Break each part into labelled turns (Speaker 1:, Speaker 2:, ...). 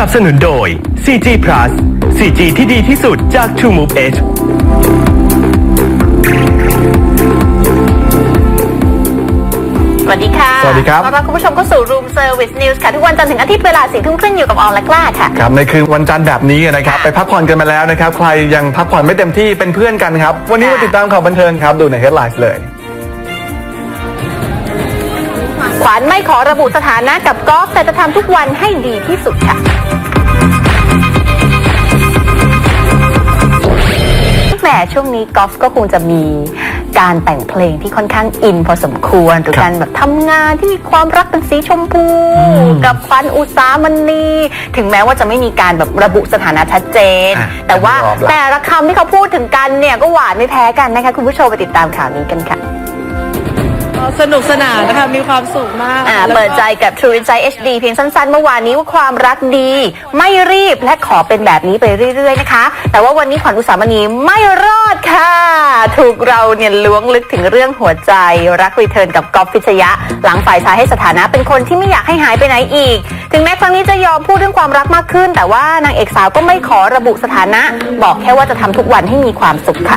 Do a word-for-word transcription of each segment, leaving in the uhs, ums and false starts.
Speaker 1: นับสนุนโดย ซี จี Plus ซี จี ที่ดีที่สุดจาก True Move Edge
Speaker 2: สวัสดีค่ะ
Speaker 3: สวัสดีครับ
Speaker 2: ต้อนรับคุณผู้ชมเข้าสู่ Room Service News ค่ะทุกวันจันทร์ถึงอาทิตย์เวลาสี่ทุ่มครึ่งอยู่กับออนและกล้าค่ะ
Speaker 3: ครับในคืนวันจันทร์แบบนี้นะครับไปพักผ่อนกันมาแล้วนะครับใครยังพักผ่อนไม่เต็มที่เป็นเพื่อนกันครับวันนี้มาติดตามข่าวบันเทิงครับดูใน Headlines เลย
Speaker 2: ขวัญไม่ขอระบุสถานะกับกอล์ฟแต่จะทำทุกวันให้ดีที่สุดค่ะแหมช่วงนี้กอล์ฟก็คงจะมีการแต่งเพลงที่ค่อนข้างอินพอสมควรหรือการแบบทำงานที่มีความรักเป็นสีชมพูกับขวัญอุสามณีถึงแม้ว่าจะไม่มีการแบบระบุสถานะชัดเจนแต่ว่าแต่ละคำที่เขาพูดถึงกันเนี่ยก็หวานไม่แพ้กันนะคะคุณผู้ชมไปติดตามข่าวนี้กันค่ะ
Speaker 4: สนุกสนานนะคะมีความสุขมาก
Speaker 2: อ่าเปิดใจกับ True Insight เอช ดี เพียงสั้นๆเมื่อวานนี้ว่าความรักดีไม่รีบและขอเป็นแบบนี้ไปเรื่อยๆนะคะแต่ว่าวันนี้ขวัญอุสามณีไม่รอดค่ะถูกเราเนี่ยล้วงลึกถึงเรื่องหัวใจรักรีเทิร์นกับก๊อฟพิชยะหลังฝ่ายชายให้สถานะเป็นคนที่ไม่อยากให้หายไปไหนอีกถึงแม้ครั้งนี้จะยอมพูดเรื่องความรักมากขึ้นแต่ว่านางเอกสาวก็ไม่ขอระบุสถานะบอกแค่ว่าจะทำทุกวันให้มีความสุขค่ะ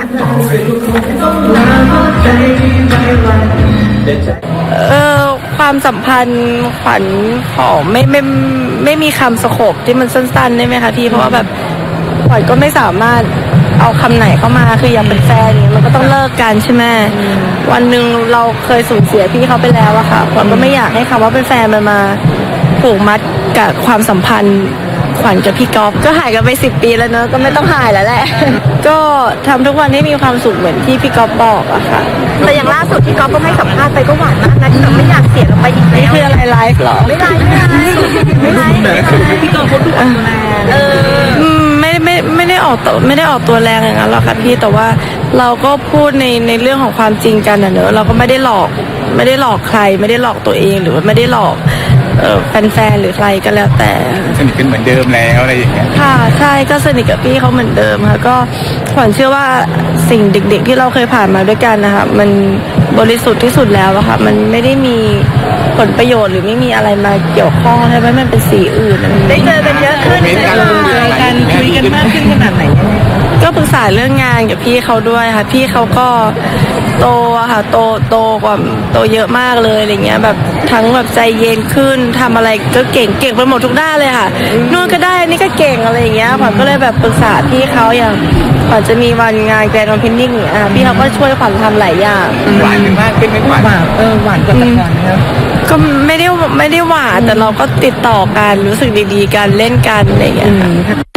Speaker 4: เออความสัมพันธ์ขวัญขอไม่ไม่ไม่มีคำสโคปที่มันสั้นๆได้ไหมคะพี่เพราะว่าแบบขวัญก็ไม่สามารถเอาคำไหนเข้ามาคืออยากเป็นแฟนมันก็ต้องเลิกกันใช่ไหมวันหนึ่งเราเคยสูญเสียพี่เขาไปแล้วอะค่ะขวัญก็ไม่อยากให้คำว่าเป็นแฟนมันมาผูกมัดกับความสัมพันธ์ขวัญกับพี่ก๊อฟก็หายกันไปสิบปีแล้วเนอะก็ไม่ต้องหายแล้วแหละก็ทำทุกวันให้มีความสุขเหมือนที่พี่ก๊อฟบอกอะค่ะ
Speaker 2: แต่อย่างล่าสุดที่ก๊อฟก็ให้สัมภาษณ์ไปก็หวานมากนะที่แบบไม่อยากเสียเราไปอีกแล้ว
Speaker 4: นี่คืออะไรไลฟ์หรอ
Speaker 2: ไม่ไลฟ์ไม่ไลฟ์ไม่ไลฟ์พี่ก๊อฟเขาดูออกตัวแรงเออ
Speaker 4: ไม่ไม่ไม่ได้ออกตัวไม่ได้ออกตัวแรงอย่างนั้นหรอกค่ะพี่แต่ว่าเราก็พูดในในเรื่องของความจริงกันนะเนอะเราก็ไม่ได้หลอกไม่ได้หลอกใครไม่ได้หลอกตัวเองหรือว่าไม่ได้หลอกเออแฟนๆหรือใครก็แล้วแต่
Speaker 3: สนิทกันเหมือนเดิมแล้วอะไรอย่างเงี้ย
Speaker 4: ค่ะใช่ก็สนิทกับพี่เขาเหมือนเดิมค่ะก็ขวัญเชื่อว่าสิ่งเด็กๆที่เราเคยผ่านมาด้วยกันนะคะมันบริสุทธิ์ที่สุดแล้วอะค่ะมันไม่ได้มีผลประโยชน์หรือไม่มีอะไรมาเกี่ยวข้องใช่ไหมมันเป็นสีอื่น
Speaker 2: ได้เจอกันเยอะขึ้น
Speaker 4: เจอกันคุยกันมากขึ้นขนาดไหนก็ปรึกษาเรื่องงานกับพี่เขาด้วยค่ะพี่เขาก็โตอะค่ะโตโตกว่าโตเยอะมากเลยอะไรเงี้ยแบบทั้งแบบใจเย็นขึ้นทำอะไรก็เก่งเก่งไปหมดทุกด้านเลยค่ะนู่นก็ได้นี่ก็เก่งอะไรอย่างเงี้ยขวัญก็เลยแบบปรึกษาพี่เขาอย่างขวัญจะมีวันงานแกรนด์โอเพนนิ่งอ่ะพี่เขาก็ช่วยขวัญทำหลายอย่าง
Speaker 3: หวานมากขึ้นไหมหวาน
Speaker 4: เออหวานกว่าแต่ก่อนนะครับก็ไม่ได้ไม่ได้หวานแต่เราก็ติดต่อกันรู้สึกดีๆกันเล่นกันอะไรอย่างเงี้ย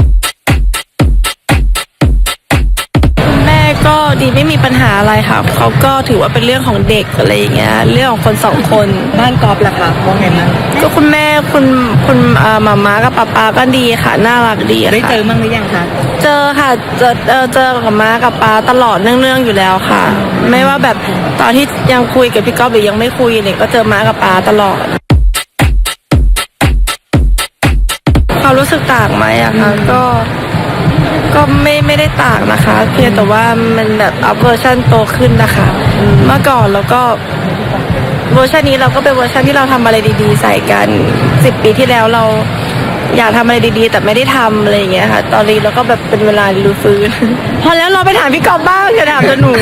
Speaker 4: ก็ดีไม่มีปัญหาอะไรค่ะเขาก็ถือว่าเป็นเรื่องของเด็กอะไรอย่างเงี้ยเรื่องของคนสองคน
Speaker 5: บ้านกอล์ฟล่ะคะว่าไงบ้าง
Speaker 4: ก็คุณแม่คุณคุณมาม่ากับป๊าป๊าก็ดีค่ะน่ารักดี
Speaker 5: ได้เจอบ้างหรือยังคะ
Speaker 4: เจอค่ะเจอเออเจอกับม้ากับป๊าตลอดเนื่องๆอยู่แล้วค่ะไม่ว่าแบบตอนที่ยังคุยกับพี่ก๊อฟหรือยังไม่คุยเนี่ยก็เจอม้ากับป๊าตลอดเขารู้สึกต่างไหมอะคะก็ก็ไม่ไม่ได้ต่างนะคะเพียงแต่ว่ามันแบบอัพเวอร์ชันโตขึ้นนะคะเมื่อก่อนเราก็เวอร์ชันนี้เราก็เป็นเวอร์ชันที่เราทำอะไรดีๆใส่กันสิบปีที่แล้วเราอยากทำอะไรดีๆแต่ไม่ได้ทำอะไรอย่างเงี้ยค่ะตอนนี้เราก็แบบเป็นเวลารื้อฟื้นพอแล้วเราไปถามพี่กอบบ้างอย่าถามแต่หนู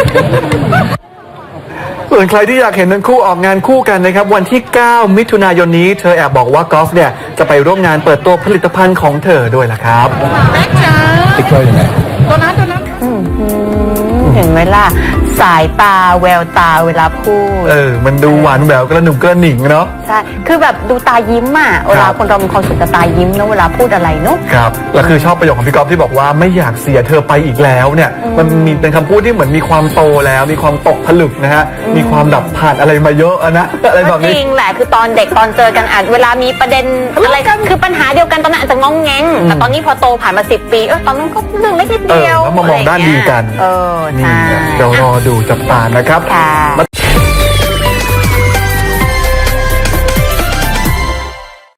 Speaker 3: ส่วนใครที่อยากเห็นทั้งคู่ออกงานคู่กันนะครับวันที่เก้ามิถุนายนนี้เธอแอบบอกว่ากอล์ฟเนี่ยจะไปร่วมงานเปิดตัวผลิตภัณฑ์ของเธอด้วยล่ะครับ
Speaker 2: แม็กจ้า
Speaker 3: ติ๊กเกอร์ยังไง
Speaker 2: ตัวนั้นตัวนั้นเห็นไหมล่ะสายตาแววตาเวลาพูด
Speaker 3: เออมันดูหวานแหววกระหนุ่มกระหนิ่งเนาะ
Speaker 2: ใช่คือแบบดูตายิ้มอ่ะเวลาคนเรามีความสุขกับตายิ้มนะเวลาพูดอะไรเนาะ
Speaker 3: ครับแล้วคือชอบประโยคของพี่ก๊อฟที่บอกว่าไม่อยากเสียเธอไปอีกแล้วเนี่ยมันมีเป็นคำพูดที่เหมือนมีความโตแล้วมีความตกผลึกนะฮะมีความดับผ่านอะไรมาเยอะนะอะไรแบบนี้
Speaker 2: จริงแหละคือตอนเด็กตอนเจอกันอาจเวลามีประเด็นอะไรคือปัญหาเดียวกันตอนนั้นอาจจะงองแงงแต่ตอนนี้พอโตผ่านมาสิบปีเออตอนนั้นก็เรื่องเล็กนิดเดียว
Speaker 3: แล้วมามองด้านดีกัน
Speaker 2: เออใช่
Speaker 3: เดี๋ยวรอดูจับตานะครับ